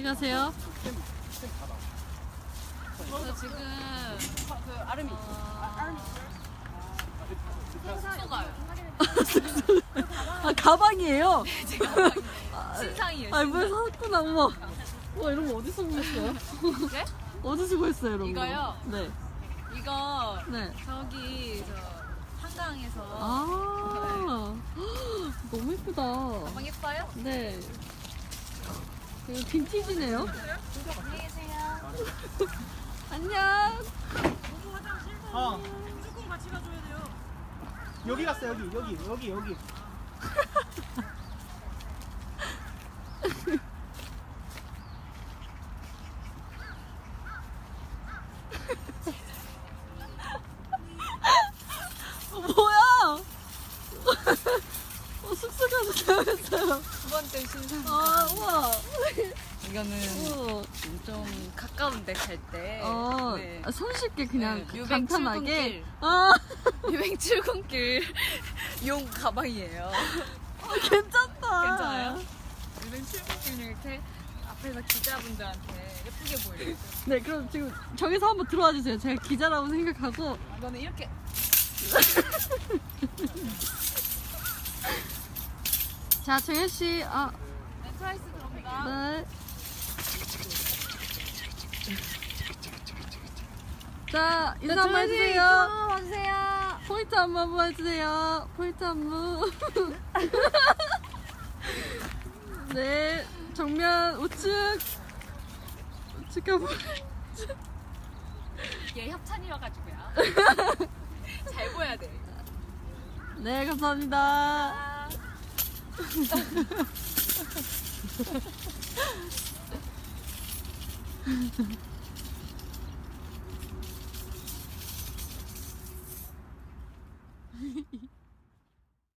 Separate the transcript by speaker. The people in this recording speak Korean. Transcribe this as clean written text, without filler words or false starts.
Speaker 1: 안녕하세요.
Speaker 2: 저 지금 그 아름이 숙소 가요.
Speaker 1: 아, 가방이에요?
Speaker 2: 제 가방이에요. 신상이에요.
Speaker 1: 아, 뭘 사왔구나, 어머. 와, 이런 거 어디서 구했어요?
Speaker 2: 네?
Speaker 1: 어디서 구했어요, 이런
Speaker 2: 이거요?
Speaker 1: 거? 네.
Speaker 2: 이거
Speaker 1: 네.
Speaker 2: 저기 저 한강에서
Speaker 1: 아, 너무 예쁘다.
Speaker 2: 가방 예뻐요?
Speaker 1: 네. 이거 빈티지네요?
Speaker 2: 안녕히 계세요.
Speaker 1: 안녕.
Speaker 3: 무조건 같이 가줘야 돼요. 여기 갔어 여기.
Speaker 1: 뭐야? 숙소 가서 자면서요.
Speaker 2: 두 번째 신상.
Speaker 1: 아, 우와.
Speaker 2: 이거는
Speaker 1: 우와.
Speaker 2: 좀 가까운데 갈 때. 네.
Speaker 1: 손쉽게 그냥
Speaker 2: 네,
Speaker 1: 간단하게.
Speaker 2: 출근길.
Speaker 1: 아,
Speaker 2: 유행 출근길 용 가방이에요.
Speaker 1: 괜찮다.
Speaker 2: 괜찮아요? 유행 출근길 이렇게 앞에서 기자분들한테 예쁘게 보이려고.
Speaker 1: 네, 그럼 지금 저기서 한번 들어와 주세요. 제가 기자라고 생각하고.
Speaker 2: 이거는 이렇게
Speaker 1: 자, 정현 씨. 아,
Speaker 2: 네, 트와이스 들어옵니다.
Speaker 1: 네. 자, 인사 한번 해주세요.
Speaker 2: 와주세요.
Speaker 1: 포인트 한번 해주세요. 포인트 안무. 네, 정면 우측. 우측 한번.
Speaker 2: 얘 협찬이어가지고요. 잘 보여야 돼.
Speaker 1: 네, 감사합니다.
Speaker 2: 아.